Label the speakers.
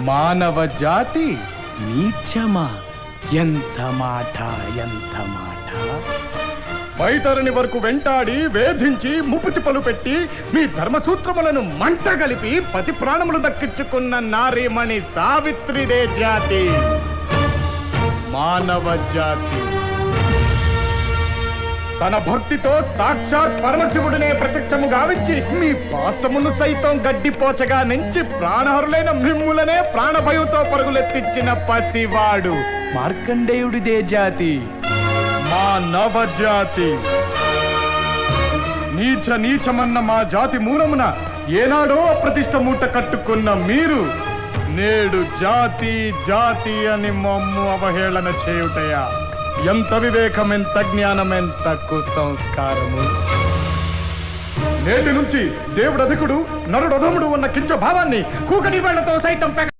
Speaker 1: మానవ జాతి నీచమా? ఎంత మాట, ఎంత మాట! వైతరుని వరకు వెంటాడి వేధించి ముప్పుతిప్పలు పెట్టి మీ ధర్మసూత్రములను మంట కలిపి పతి ప్రాణములు దక్కించుకున్న నారీమణి సావిత్రిదే జాతి, మానవ జాతి. తన భక్తితో సాక్షాత్ పరమశివుడినే ప్రత్యక్షము గావించి మీ పాస్తమును సైతం గడ్డిపోచగా నుంచి ప్రాణహరులైన మిమ్ములనే ప్రాణభయంతో పరుగులెత్తించిన పసివాడు మార్కండేయుడిదే జాతి, మా నవజాతి. నీచమన్న మా జాతి మూలమున ఏనాడో అప్రతిష్ట మూట కట్టుకున్న మీరు నేడు జాతి జాతి అని మమ్ము అవహేళన చేయుటయా? ఎంత వివేకం, ఎంత జ్ఞానం, ఎంత కుసంస్కారము! నేటి నుంచి దేవుడు అధికుడు, నరుడు అధముడు ఉన్న కించ భావాన్ని కూకటి వేళ్లతో సైతం